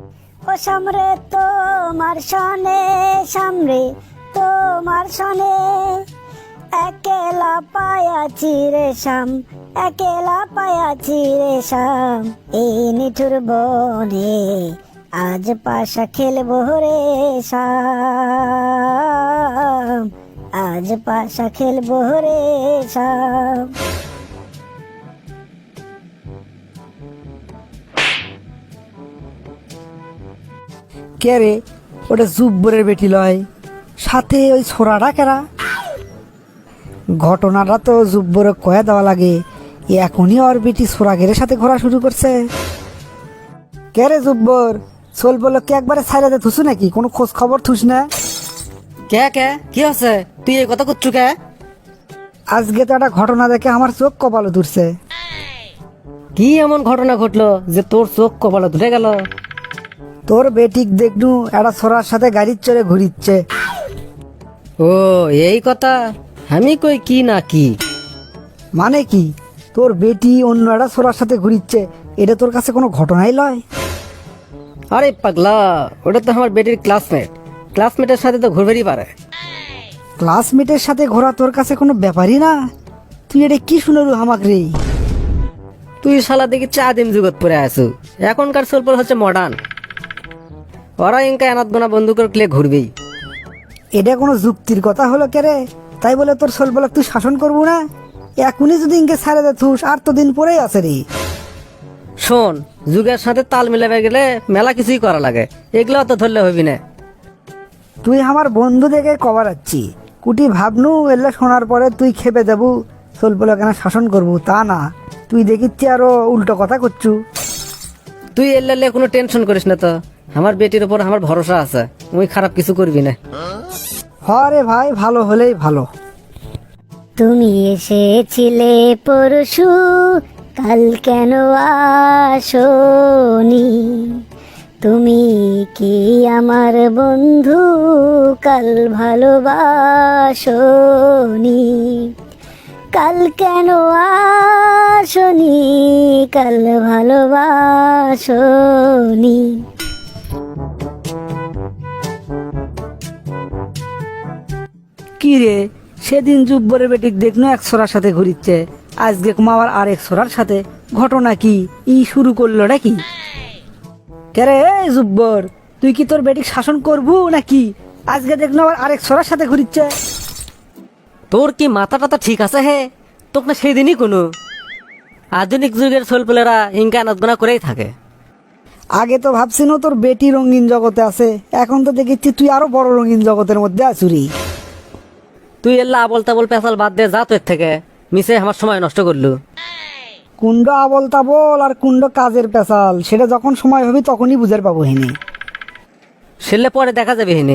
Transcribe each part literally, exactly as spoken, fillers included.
ও সামরে তোমার সনে, সামরে তোমার সনে, একেলা পায়াছি রে শাম, একেলা পায়াছি রে শাম, এই নিঠুর বনে আজ পাশা খেলবো রে শাম, আজ পাশা খেলবো রে শাম। কে রে, ওটা জুব্বরের বেটি লয়, সাথে ওই ছোড়াটা কেরা? ঘটনাটা তো জুব্বরে কয়ে দেওয়া লাগে, এখনই ওর বেটি সোরাগের সাথে ঘোরা শুরু করছে। কে রে জুব্বর, সোল বলো কে একবারে ছাইরাতে থুসু নাকি? কোনো খোঁজ খবর থুস না? কে কে কি আছে? তুই এই কথা করছু কে? আজকে তো একটা ঘটনা দেখে আমার চোখ কপালে তুলছে। কি এমন ঘটনা ঘটলো যে তোর চোখ কপালে ধরে গেল? তোর বেটিক দেখনু একটা ছোড়ার সাথে গাড়ির চড়ে ঘুরিচ্ছে। ও এই কথা, আমি কই কি না কি? মানে কি, তোর বেটি অন্য একটা ছোড়ার সাথে ঘুরিচ্ছে, এটা তোর কাছে কোনো ঘটনাই লয়? আরে পাগলা, ওটা তো আমার বেটির ক্লাসমেট, ক্লাসমেটের সাথে তো ঘুরবেরই পারে। ক্লাসমেটের সাথে ঘোরা তোর কাছে কোনো ব্যাপারই না? তুই এটা কি শুনলু হামাক রে? তুই শালা দেখি চা দিম জগৎ পরে আসু, এখনকার সোলপল হচ্ছে মডার্ন, ওরা ইনকা এনাত গোনা বন্ধু করে ক্লে ঘুরবেই। এটা কোনো যুক্তির কথা হলো কে রে? তাই বলে তোর সোলবলক তুই শাসন করবো না? এখনই যদি ইনকে ছাড়ে দে থুস, আর তো দিন পরেই আছে রে। শোন, যুগের সাথে তাল মিলাবে গেলে মেলা কিছুই করা লাগে, এগুলো তো ধরলে হবি না। তুই আমার বন্ধু দেখে কবার আচ্ছি, কুটি ভাবনু এলে শোনার পরে তুই খেপে যাবু, সোলবলক কেন শাসন করবো তা না, তুই দেখিচ্ছি আরো উল্টো কথা করছু। তুই এলে কোনো টেনশন করিস না তো, আমার বেটির উপর আমার ভরসা আছে, তুই খারাপ কিছু করবি না। হরে ভাই, ভালো হলেই ভালো। তুমি এসেছিলে পরশু, কাল কেন আসোনি? তুমি কি আমার বন্ধু, কাল ভালোবাসোনি? কাল কেন আসোনি, কাল ভালোবাসোনি? কি রে, সেদিন জুব্বরের বেটিক দেখনো এক ছোড়ার সাথে ঘুরিচ্ছে, আজকে কুমাবার আর এক ছোড়ার সাথে, ঘটনা কি? ই শুরু করলো নাকি? কেরে এই জুব্বর, তুই কি তোর বেটিক শাসন করবু নাকি? আজকে দেখনো আবার আরেক ছোড়ার সাথে ঘুরিচ্ছে। তোর কি মাথা টাথা ঠিক আছে হে? তোকে না সেই দিনই কোনো আধুনিক যুগের সোলপলেরা ইনকা এনাত গোনা করেই থাকে। আগে তো ভাবছিনো তোর বেটি রঙিন জগতে আছে, এখন তো দেখেছি তুই আরো বড় রঙিন জগতের মধ্যে আছুরি। তুই এল্লা আবল তাবল পেঁচাল বাদ দে যা, তোর থেকে মিশে আমার সময় নষ্ট করলু। কুণ্ড আবল তাবল আর কুণ্ড কাজের পেশাল, সেটা যখন সময় হবে তখনই বুঝার পাবো হিনি। সেলে পরে দেখা যাবে হিনে,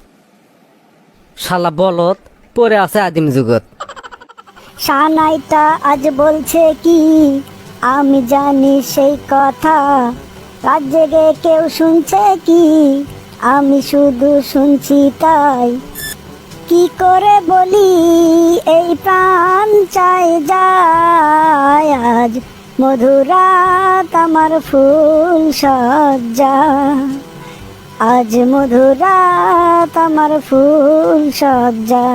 শালা বলত পরে আছে আদিম যুগত। সানাইটা আজ বলছে কি, আমি জানি সেই কথা, রাত জেগে কেউ শুনছে কি, আমি শুধু শুনছি তাই। কি করে বলি এই প্রাণ চাই যায়, আজ মধুরাত আমার ফুল সজ্জা, আজ মধুরাত আমার ফুল সজ্জা।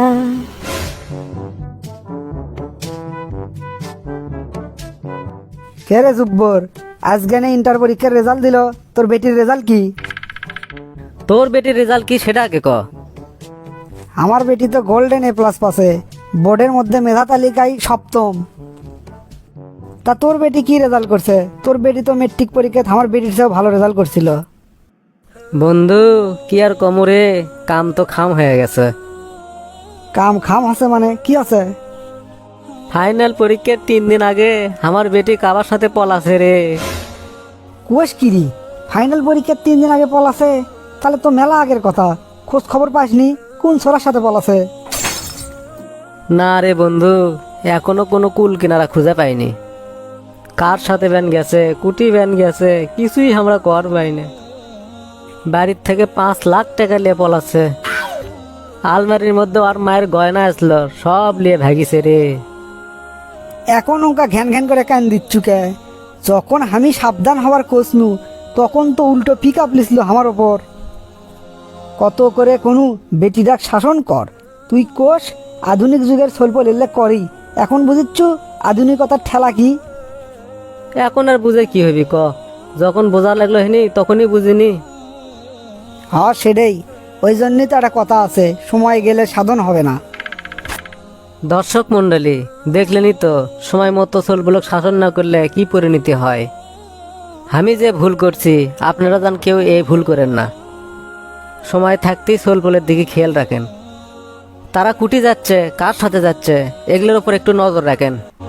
কে রে জুব্বর, আজকে না ইন্টার পরীক্ষার রেজাল্ট দিল, তোর বেটির রেজাল্ট কি? তোর বেটির রেজাল্ট কি সেটা আগে ক। আমার বেটি তো গোল্ডেন এ প্লাস পাসে, বোর্ডের মধ্যে মেধা তালিকায় সপ্তম। তা তোর বেটি কি রেজাল্ট করছে? তোর বেটি তো মেট্রিক পরীক্ষায় আমার বেটির চেয়েও ভালো রেজাল্ট করছিল। বন্ধু কি আর কমরে, কাম তো খাম হয়ে গেছে। কাম খাম আছে মানে কি আছে? ফাইনাল পরীক্ষার তিন দিন আগে আমার বেটি কাবার সাথে পলাছে রে। কুয়াশ কিরি, ফাইনাল পরীক্ষার তিন দিন আগে পলাছে? তাহলে তো মেলা আগের কথা, খোঁজ খবর পাসনি কোন ছোড়ার সাথে পলাছে? না রে বন্ধু, এখনো কোনো কুল কিনারা খুঁজে পাইনি। কার সাথে ভ্যান গেছে, কুটি ভ্যান গেছে, কিছুই আমরা কর পাইনি। বাড়ির থেকে পাঁচ লাখ টাকা নিয়ে পলাছে, আলমারির মধ্যে আর মায়ের গয়না আসলো সব নিয়ে ভাগিছে রে। এখন ওকা ঘ্যান ঘ্যান করে কান দিচ্ছু কে? যখন আমি সাবধান হওয়ার কোসনু তখন তো উল্টো পিক আপ লিছিল আমার ওপর। কত করে কোনো বেটিরাক শাসন কর, তুই কোষ আধুনিক যুগের সল্প লেলে করি, এখন বুঝিচ্ছু আধুনিকতার ঠেলা কি। এখন আর বুঝে কি হবি ক, যখন বোঝা লাগলো হেনি তখনই বুঝিনি। হ্যাঁ সেটাই, ওই জন্যই তো একটা কথা আছে, সময় গেলে সাধন হবে না। দর্শক মণ্ডলী দেখলেনই তো, সময় মতো সোলগুলোকে শাসন না করলে কি পরিণতি হয়। আমি যে ভুল করছি আপনারা যেন কেউ এই ভুল করেন না। সময় থাকতেই সোলগুলোর দিকে খেয়াল রাখেন, তারা কুটি যাচ্ছে কার সাথে যাচ্ছে এগুলোর উপর একটু নজর রাখেন।